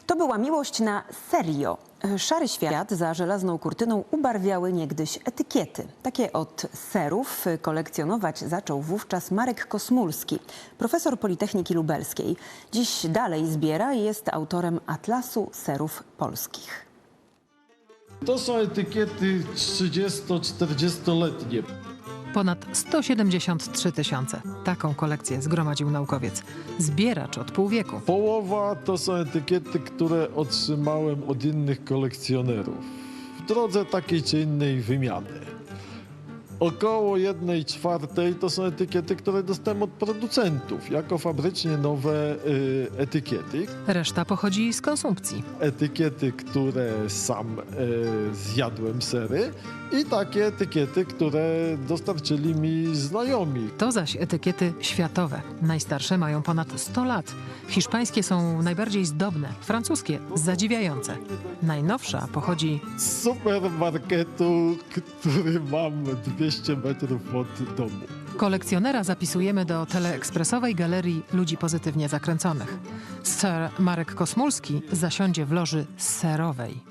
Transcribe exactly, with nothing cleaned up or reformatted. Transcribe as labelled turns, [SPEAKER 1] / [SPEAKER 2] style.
[SPEAKER 1] To była miłość na serio. Szary świat za żelazną kurtyną ubarwiały niegdyś etykiety. Takie od serów kolekcjonować zaczął wówczas Marek Kosmulski, profesor Politechniki Lubelskiej. Dziś dalej zbiera i jest autorem Atlasu Serów Polskich.
[SPEAKER 2] To są etykiety trzydziesto-czterdziestoletnie.
[SPEAKER 3] Ponad sto siedemdziesiąt trzy tysiące. Taką kolekcję zgromadził naukowiec. Zbieracz od pół wieku.
[SPEAKER 2] Połowa to są etykiety, które otrzymałem od innych kolekcjonerów w drodze takiej czy innej wymiany. Około jednej czwartej to są etykiety, które dostałem od producentów jako fabrycznie nowe y, etykiety.
[SPEAKER 3] Reszta pochodzi z konsumpcji.
[SPEAKER 2] Etykiety, które sam y, zjadłem sery i takie etykiety, które dostarczyli mi znajomi.
[SPEAKER 3] To zaś etykiety światowe. Najstarsze mają ponad sto lat. Hiszpańskie są najbardziej zdobne, francuskie zadziwiające. Najnowsza pochodzi
[SPEAKER 2] Z supermarketu, który mam dwieście metrów od domu.
[SPEAKER 3] kolekcjonera zapisujemy do teleekspresowej galerii ludzi pozytywnie zakręconych. Sir Marek Kosmulski zasiądzie w loży serowej.